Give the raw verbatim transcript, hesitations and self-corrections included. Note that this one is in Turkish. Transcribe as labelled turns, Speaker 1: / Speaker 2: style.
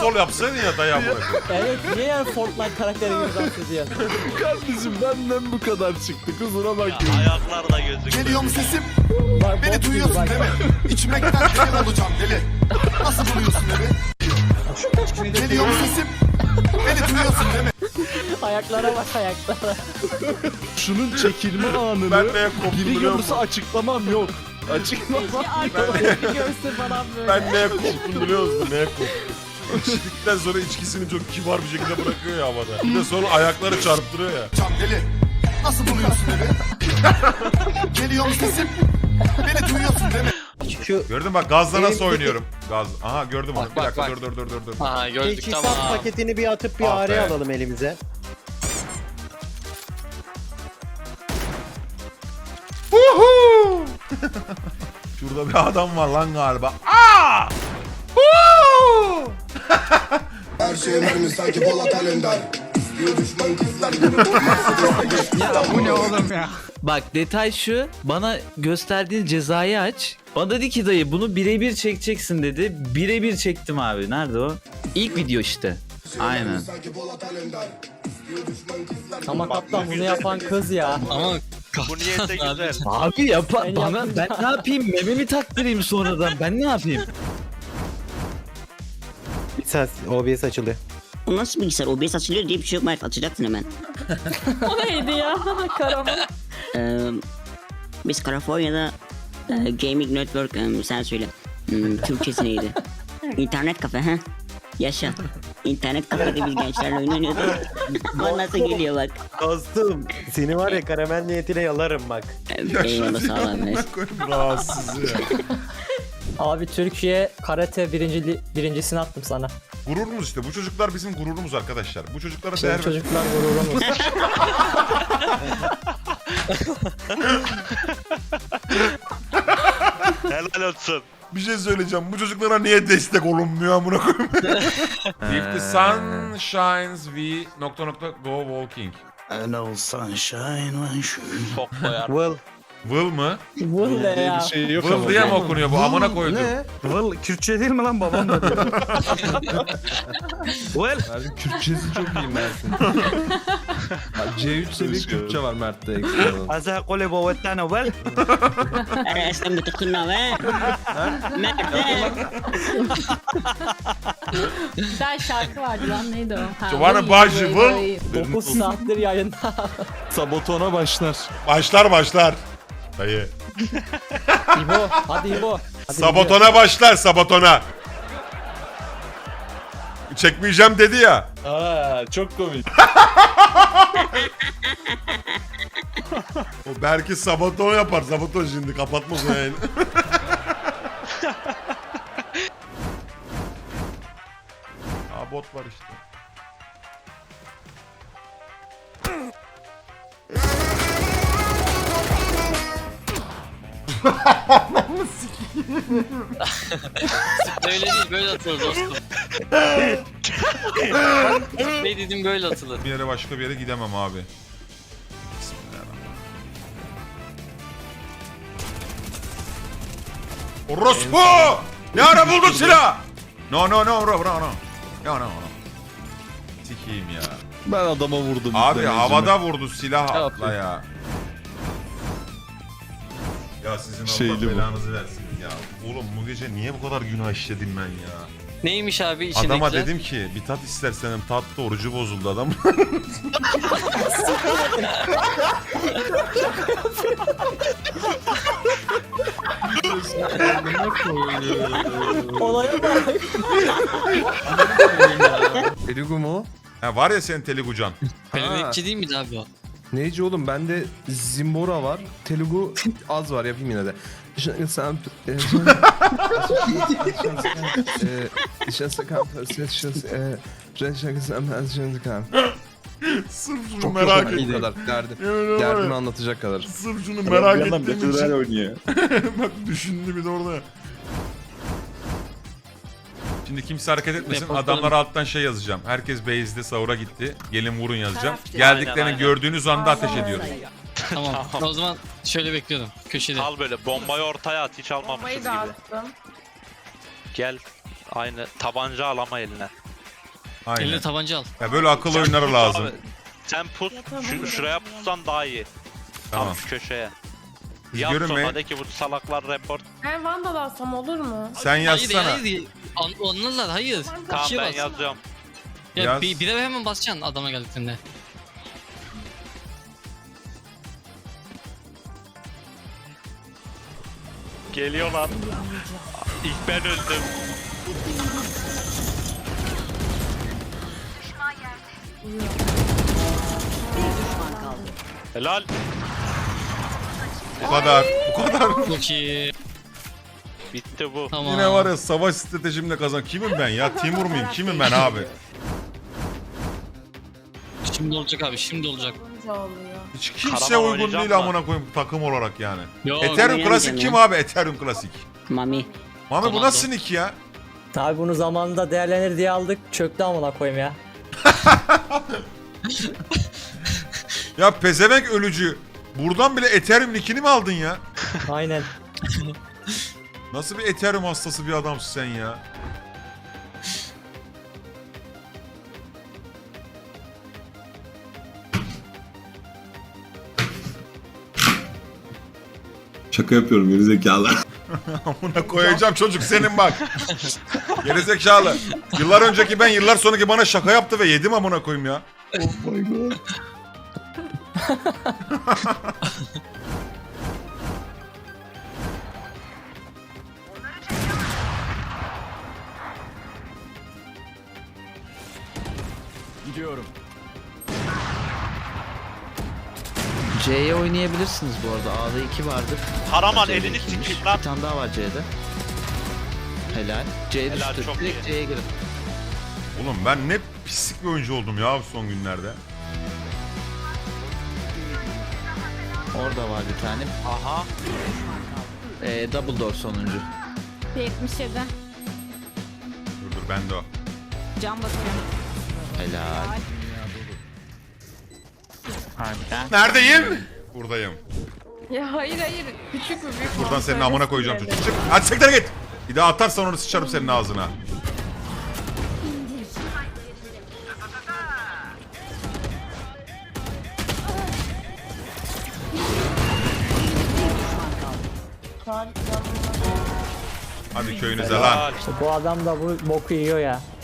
Speaker 1: sol yapsaydın ya dayı amına.
Speaker 2: Evet niye yani Fortnite karakteri gibi dans ediyor?
Speaker 3: Kardeşim benden bu kadar çıktı kusura bakma.
Speaker 4: Ayaklar da gözüküyor.
Speaker 5: Geliyor mu sesim?
Speaker 2: Bak,
Speaker 5: Beni
Speaker 2: bok gibi
Speaker 5: duyuyorsun
Speaker 2: bak.
Speaker 5: değil mi? İçmekten deli olacağım deli. Nasıl buluyorsun beni? Geliyor mu sesim? Beni duyuyorsun değil mi?
Speaker 2: Ayaklara bak ayaklara.
Speaker 3: Şunun çekilme anını
Speaker 1: Ben neye koptum
Speaker 3: biri
Speaker 1: biliyor
Speaker 3: görürse
Speaker 1: musun?
Speaker 3: açıklamam yok. Açıklamam.
Speaker 2: Arkadaşlar bir görsün falan böyle.
Speaker 1: Ben neye koptum biliyor musun? Neye koptum? İçtikten sonra içkisini çok kibar bir şekilde bırakıyor ya havada. Bir de sonra ayakları çarptırıyor ya.
Speaker 5: Cam deli. Nasıl buluyorsun beni? Geliyor mu sesim? Beni duyuyorsun değil mi?
Speaker 2: Şu
Speaker 1: Gördün bak gazla nasıl
Speaker 2: Elimdeki-
Speaker 1: oynuyorum? Gaz. Aha gördüm onu.
Speaker 6: Bak,
Speaker 1: Bir
Speaker 6: bak,
Speaker 1: dakika
Speaker 6: bak.
Speaker 1: dur dur dur dur dur.
Speaker 6: Aha gördük
Speaker 7: Teçhizat
Speaker 6: tamam.
Speaker 7: paketini bir atıp bir
Speaker 1: Ah
Speaker 7: araya
Speaker 1: be.
Speaker 7: alalım elimize.
Speaker 1: Huhu! Şurada bir adam var lan galiba. Aa! Huhu!
Speaker 5: Her şey mermi sanki Polat Alemdar. Bir düşman kızlar gibi.
Speaker 8: Bak detay şu, bana gösterdiğin cezayı aç. Bana dedi ki dayı bunu birebir çekeceksin dedi. Birebir çektim abi. Nerede o? İlk video işte. Aynen.
Speaker 5: Sanki Polat Alemdar. Bir düşman kızlar gibi.
Speaker 2: ama kaptan bunu yapan kız ya.
Speaker 6: Ama
Speaker 4: Bu niyete güzel.
Speaker 8: Abi yapa
Speaker 2: Ben
Speaker 8: bana
Speaker 2: yaptım
Speaker 8: ben ne yapayım? Mememi taktırayım sonradan. Ben ne yapayım?
Speaker 7: Bir ses O B S açılıyor.
Speaker 9: O nasıl bilgisayar? O B S açılıyor diye bir şey yok Mert. Açacaksın hemen.
Speaker 10: O neydi ya? Karaman.
Speaker 9: Ee, biz Kaliforniya'da e, Gaming Network e, sen söyle. Hmm, Türkçesi neydi? İnternet kafe ha? Yaşa. İnternet kafede biz gençlerle oyun oynuyorduk. O nasıl geliyor bak.
Speaker 7: Dostum seni var ya karamel niyetine yalarım bak.
Speaker 9: Ee, Eyvallah sağ ol abi.
Speaker 1: Koyayım rahatsız ya.
Speaker 2: Abi Türkiye karate birinci, birincisini attım sana.
Speaker 1: Gururumuz işte. Bu çocuklar bizim gururumuz arkadaşlar. Bu çocuklara
Speaker 2: Bizim
Speaker 1: değer ver.
Speaker 2: çocuklar gururumuz.
Speaker 4: Helal olsun.
Speaker 1: Bir şey söyleyeceğim. Bu çocuklara niye destek olunmuyor amına koyayım? If the sun shines we nokta nokta go walking.
Speaker 4: Çok koyar.
Speaker 7: Will.
Speaker 1: Will mı?
Speaker 2: Bu ne ya?
Speaker 3: Bir şey yok
Speaker 1: Will
Speaker 3: ama.
Speaker 1: diye mi okunuyor bu? Amına koydum.
Speaker 7: Will Kürtçe değil mi lan babam da diyor. Will.
Speaker 3: Mert'in Kürtçesi çok iyi Mert'in. Ya C üç seviye Kürtçe var Mert'te ekstra.
Speaker 7: Azza kole bovettana Will.
Speaker 9: Ara esnem betekınna be. Mert be.
Speaker 10: Bir tane şarkı vardı lan neydi o? Ha,
Speaker 1: Giovanna
Speaker 10: vay,
Speaker 1: Bajı,
Speaker 10: vay,
Speaker 1: vay.
Speaker 10: vay.
Speaker 2: dokuz saattir yayında.
Speaker 3: Sabotona başlar.
Speaker 1: Başlar başlar. Dayı.
Speaker 2: İbo hadi İbo. Hadi
Speaker 1: Sabotona başlar sabotona. Çekmeyeceğim dedi ya.
Speaker 3: Aa çok komik.
Speaker 1: O belki saboton yapar. Saboton şimdi kapatmaz o yayını. Aa bot var işte.
Speaker 6: öyle değil böyle atılır dostum. Ne dedim böyle atılır.
Speaker 1: Bir yere başka bir yere gidemem abi. Bismillahirrahmanirrahim. Orospu! Ne ara buldun silah? No no no no no no. No no no. Sikiyim ya.
Speaker 3: Ben adama vurdum.
Speaker 1: Abi
Speaker 3: izlemeyicime.
Speaker 1: havada vurdu silah
Speaker 3: Ne
Speaker 1: atla
Speaker 3: yapayım?
Speaker 1: ya. Ya sizin Allah
Speaker 3: Şeyli bu.
Speaker 1: belanızı versin ya. Oğlum bu gece niye bu kadar günah işledim ben ya?
Speaker 6: Neymiş abi içindekiler?
Speaker 1: Adama dedim ki bir tat istersen tattı orucu bozuldu adam.
Speaker 2: Olaya bak.
Speaker 3: Telugu mu?
Speaker 1: Ha, var ya senin Teligucan.
Speaker 6: Pelinekçi değil miydi abi o?
Speaker 3: Neyci oğlum bende Zimbora var. Telugu az var yapayım yine de. Sen
Speaker 1: Sırf şunu
Speaker 3: Çok
Speaker 1: merak
Speaker 3: yok
Speaker 1: ettim.
Speaker 3: bu kadar derdim.
Speaker 1: Yemin ederim var
Speaker 3: Derdimi
Speaker 1: ya,
Speaker 3: anlatacak kadar.
Speaker 1: Sırf şunu merak ettiğim için. oynuyor. Bak düşündü bir de orada. Şimdi kimse hareket etmesin.
Speaker 6: Yapalım.
Speaker 1: Adamlara alttan şey yazacağım. Herkes base'de sahura gitti. Gelin vurun yazacağım.
Speaker 10: Taraf-
Speaker 1: Geldiklerini
Speaker 4: Aynen, aynen.
Speaker 1: gördüğünüz anda ateş ediyoruz.
Speaker 6: Tamam. O zaman şöyle bekliyordum köşede.
Speaker 4: Al böyle bombayı ortaya at hiç almamışız
Speaker 10: Bombayı
Speaker 4: gibi.
Speaker 10: da attım.
Speaker 4: Gel aynı tabanca al ama eline.
Speaker 1: Aynen.
Speaker 6: Eline tabanca al.
Speaker 1: Ya böyle akıl oyunları lazım.
Speaker 4: Abi, sen pus, şu, şuraya pussan daha iyi.
Speaker 1: Tamam.
Speaker 4: Tam şu köşeye.
Speaker 1: Biz
Speaker 4: Yap
Speaker 1: görünmeyin.
Speaker 4: sonra de ki bu salaklar report.
Speaker 10: Ben Vandal alsam olur mu?
Speaker 1: Sen
Speaker 6: Hayır
Speaker 1: yazsana.
Speaker 6: hayır. An anlarlar hayır.
Speaker 4: Tamam
Speaker 6: İkiye
Speaker 4: ben
Speaker 6: bas.
Speaker 4: yazıyorum.
Speaker 6: Ya
Speaker 1: Yaz.
Speaker 6: bir, bir de hemen basacaksın adama geldiklerinde.
Speaker 4: Geliyorlar. İlk ben öldüm. Helal.
Speaker 1: Bu kadar. Bu kadar.
Speaker 6: Çok iyi.
Speaker 4: Bitti bu.
Speaker 6: Tamam.
Speaker 1: Yine var ya savaş stratejimle kazan. Kimim ben ya? Timur muyum? Kimim ben abi?
Speaker 6: Şimdi olacak abi şimdi olacak.
Speaker 10: oluyor.
Speaker 1: Hiç kimse
Speaker 4: Karaman
Speaker 1: uygun
Speaker 4: oynayacağım
Speaker 1: değil
Speaker 4: da.
Speaker 1: amına koyayım takım olarak yani.
Speaker 6: Yo,
Speaker 1: Ethereum
Speaker 9: oynayamayacağım
Speaker 1: klasik kim
Speaker 9: ya.
Speaker 1: abi? Ethereum klasik.
Speaker 9: Mami.
Speaker 1: Mami bu
Speaker 6: Komando.
Speaker 1: nasıl nick ya?
Speaker 2: Abi bunu zamanında değerlenir diye aldık. Çöktü amına koyayım ya.
Speaker 1: Ya pezevenk ölücü. Buradan bile Ethereum nickini mi aldın ya?
Speaker 2: Aynen.
Speaker 1: Nasıl bir Ethereum hastası bir adamsın sen ya?
Speaker 5: Şaka yapıyorum gerizekalı.
Speaker 1: Amına koyacağım çocuk senin bak. Gerizekalı. Yıllar önceki ben yıllar sonraki bana şaka yaptı ve yedim amına koyayım ya.
Speaker 5: Oh my god.
Speaker 8: C'ye oynayabilirsiniz bu arada. A'da iki vardır.
Speaker 4: Karaman
Speaker 8: C'de
Speaker 4: elini
Speaker 8: ikiymiş.
Speaker 4: sikeyim lan.
Speaker 8: Bir tane daha var C'de. Helal. C'ye
Speaker 4: Helal,
Speaker 8: düştü.
Speaker 4: çok
Speaker 8: Direkt
Speaker 4: iyi.
Speaker 8: C'ye girin.
Speaker 1: Oğlum ben ne pislik bir oyuncu oldum ya son günlerde.
Speaker 8: Orada var bir tane.
Speaker 4: Aha.
Speaker 8: Ee, double door sonuncu.
Speaker 10: yetmiş yedi.
Speaker 1: Dur dur ben de o.
Speaker 10: Can basıyorum.
Speaker 8: Helal. Harbiden.
Speaker 1: Neredeyim? Buradayım.
Speaker 10: Ya hayır hayır. Küçük mü büyük mü?
Speaker 1: Buradan senin
Speaker 10: Söyle
Speaker 1: amına koyacağım
Speaker 10: size.
Speaker 1: çocuk. Çık. Hadi siktir git. Bir daha atarsan onu sıçarım senin ağzına. Hadi köyünüze lan.
Speaker 4: Helal.
Speaker 2: İşte bu adam da bu boku yiyor ya.